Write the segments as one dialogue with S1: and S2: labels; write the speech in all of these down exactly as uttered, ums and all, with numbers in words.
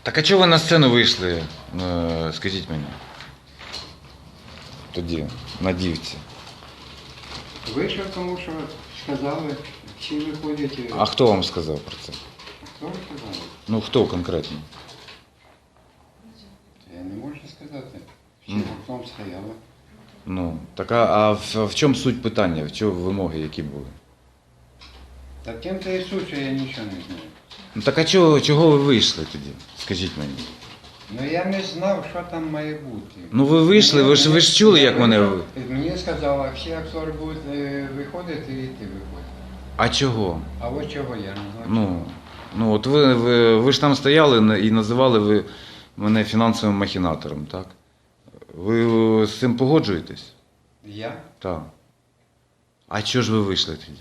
S1: Так а чого ви на сцену вийшли, е, скажіть мені? Тоді, на дівці.
S2: Вийшов, тому що сказали, всі виходять.
S1: А хто вам сказав про це?
S2: Хто сказав?
S1: Ну хто конкретно?
S2: Я не можу сказати. Всі
S1: Ну.
S2: гуртом стояли.
S1: Ну, так а, а в, в чому суть питання? В чому вимоги які були?
S2: Та тим-то і суть, що я нічого не знаю.
S1: Ну так а чого, чого ви вийшли тоді? Скажіть мені.
S2: Ну я не знав, що там має бути.
S1: Ну ви вийшли, ви ж ви ж чули, як мене.
S2: Мені сказали, всі актори будуть е, виходити і ти виходиш.
S1: А чого?
S2: А от чого я не знаю.
S1: Ну, ну от ви, ви, ви ж там стояли на- і називали ви мене фінансовим махінатором, так? Ви з цим погоджуєтесь?
S2: Я?
S1: Так. А чого ж ви вийшли тоді?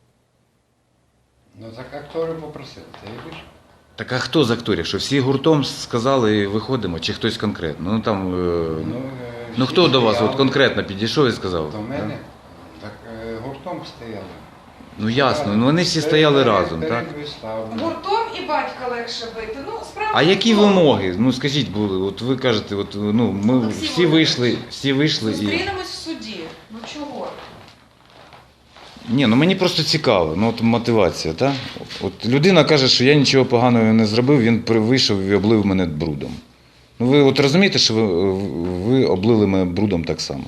S2: Ну так актори попросили, та я вийшов.
S1: Так а хто з акторів? Що всі гуртом сказали виходимо, чи хтось конкретно? Ну там. е,
S2: Ну,
S1: Ну
S2: всі
S1: хто до вас
S2: стояли.
S1: от конкретно підійшов і сказав?
S2: До мене? Так е, гуртом стояли.
S1: Ну ясно, ну вони всі стояли
S2: Перед-
S1: разом,
S2: перед
S1: так?
S2: виставою.
S3: Гуртом і батька легше бити. Ну, справа.
S1: А
S3: в
S1: які
S3: тому.
S1: вимоги? Ну скажіть були, от ви кажете, от ну ми
S3: Олексій
S1: всі вийшли, всі вийшли і.
S3: Зустрінемось в суді. Ну чого?
S1: Ні, ну мені просто цікаво, ну от мотивація, так? От людина каже, що я нічого поганого не зробив, він при- вийшов і облив мене брудом. Ну ви от розумієте, що ви, ви облили мене брудом так само?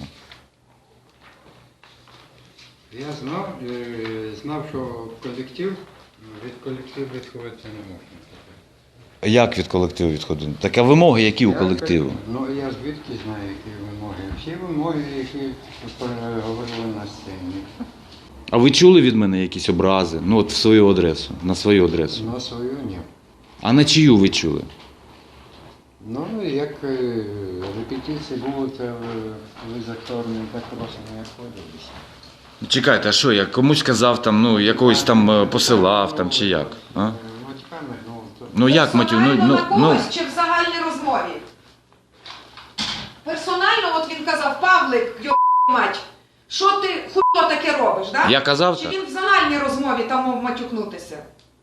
S2: Я знав, е, знав, що колектив, від колективу відходити не можна.
S1: Як від колективу відходити? Так а вимоги які у
S2: Я
S1: колективу?
S2: кажу, Ну я звідки знаю, які вимоги. Всі вимоги, які говорили на сцені.
S1: А ви чули від мене якісь образи? Ну от в свою адресу, на свою адресу.
S2: На свою ні.
S1: А на чию ви чули?
S2: Ну, як е, репетиції будуть, е, ви з акторами так просто не ходилися.
S1: Чекайте, а що, я комусь казав там, ну якогось там е, посилав там чи як? А?
S2: Матьками, ну, то...
S1: Ну як, Матю, ну,
S3: Персонально
S1: ну,
S3: на
S1: ну,
S3: когось чи в загальній розмові? Персонально, от він казав, Павлик, йо мать, що ти хуйо таке робиш, да?
S1: я казав
S3: Чи
S1: так?
S3: він в загальній розмові там мов матюкнутися?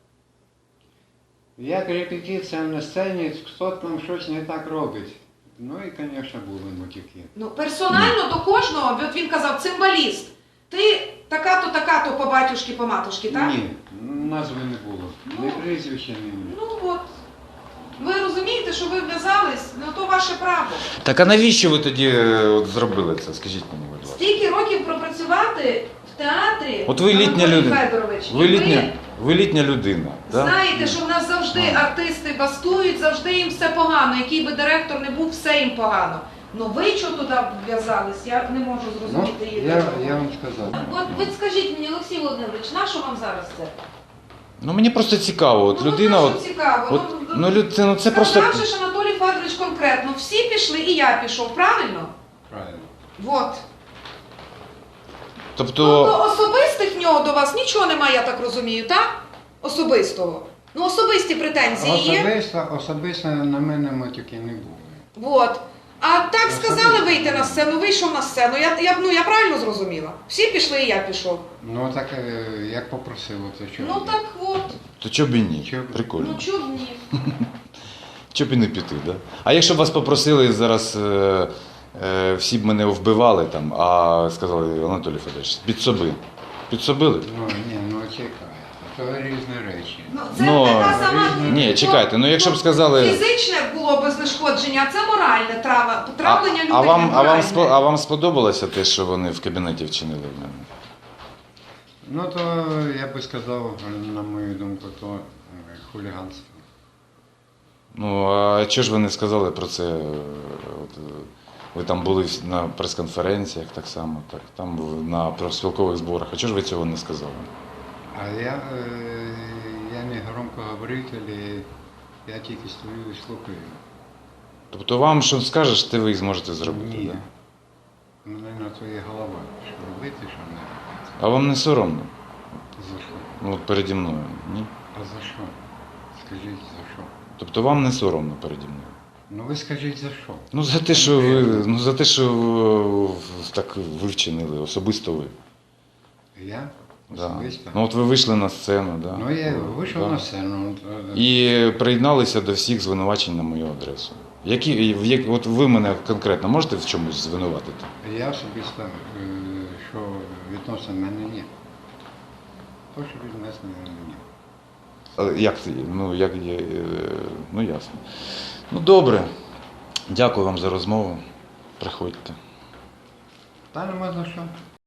S2: Як репетиція на сцені, хто там щось не так робить. Ну і, звісно, були матюки.
S3: Ну, персонально до кожного, от він казав, цимбаліст, ти така-то, така-то по батюшки, по матушки, так?
S2: Ні, назви не було.
S3: Ну,
S2: Не прізвища, ні.
S3: Ну от. Ви розумієте, що ви вв'язались, ну то ваше право.
S1: Так а навіщо ви тоді е, от, зробили це? Скажіть мені, будь ласка.
S3: Стільки років пропрацювати в театрі,
S1: От ви літня
S3: Анатолій
S1: людина.
S3: Федорович,
S1: Ви
S3: і
S1: літня, ви літня людина. Да?
S3: знаєте, що в нас завжди
S1: Ну.
S3: артисти бастують, завжди їм все погано. Який би директор не був, все їм погано. Ну ви чого туди вв'язались, я не можу
S2: Ну,
S3: зрозуміти її.
S2: я,
S3: такого.
S2: я вам сказав.
S3: От ви скажіть мені, Олексій Володимирович, на що вам зараз це?
S1: Ну мені просто цікаво, от
S3: ну,
S1: людина,
S3: от,
S1: от,
S3: на що цікаво.
S1: от, ну, люд- це, ну це просто.
S3: Сказавши ж Анатолій Федорович конкретно, всі пішли і я пішов, правильно?
S2: Правильно.
S3: Вот.
S1: Тобто,
S3: Тобто особистих в нього до вас нічого немає, я так розумію, так? Особистого. Ну, особисті претензії є.
S2: Особисто, особисто на мене матюки не було.
S3: Вот. А так сказали
S2: Особисто.
S3: вийти на сцену, вийшов на сцену. Я, я, ну, я правильно зрозуміла? Всі пішли і я пішов.
S2: Ну так е, як попросили, то що?
S3: Ну так от.
S1: то чого б і ні?
S2: Чого б-
S1: Прикольно.
S3: Ну чого б ні?
S1: Чого б і не піти, да? А якщо б вас попросили зараз, е, е, всі б мене вбивали там, а сказали, Анатолій Федорович, підсоби. Підсобили б?
S2: Ну ні, ну чекай. То різні речі.
S3: Ну, це
S1: Ну,
S3: така сама...
S1: ні, чекайте, ну, якщо б сказали-
S3: Фізичне було би знешкодження, а це моральне трава,
S1: А,
S3: травлення людини.
S1: а, вам, а, вам,
S3: моральне.
S1: спо- а вам сподобалося те, що вони в кабінеті вчинили в мене?
S2: Ну то я би сказав, на мою думку, то е, хуліганство.
S1: Ну, а чого ж ви не сказали про це? е, От, е, ви там були на прес-конференціях так само, так, там були на профспілкових зборах. А чого ж ви цього не сказали?
S2: А я, е, я не громкоговоритель, я тільки стою і слухаю.
S1: Тобто вам що скажеш, те ви і зможете зробити,
S2: Ні.
S1: Да?
S2: У мене на то є голова, що робити, що не робити.
S1: А вам не соромно?
S2: За що?
S1: Ну, от переді мною, ні?
S2: А за що? Скажіть, за що?
S1: Тобто вам не соромно переді мною?
S2: Ну ви скажіть, за що?
S1: Ну, за те, що ви, ну, за те, що е, так ви вчинили, особисто ви.
S2: Я?
S1: Да.
S2: особисто.
S1: Ну от ви вийшли на сцену, да?
S2: Ну, я вийшов
S1: Да.
S2: на сцену.
S1: І приєдналися до всіх звинувачень на мою адресу. Які, в як, от ви мене конкретно можете в чомусь звинуватити?
S2: Я особисто, е, що відносно мене ні. То, що відносно мене ні.
S1: Але як це? Ну, як є, е, ну ясно. Ну добре. Дякую вам за розмову. Приходьте.
S2: Та нема за що.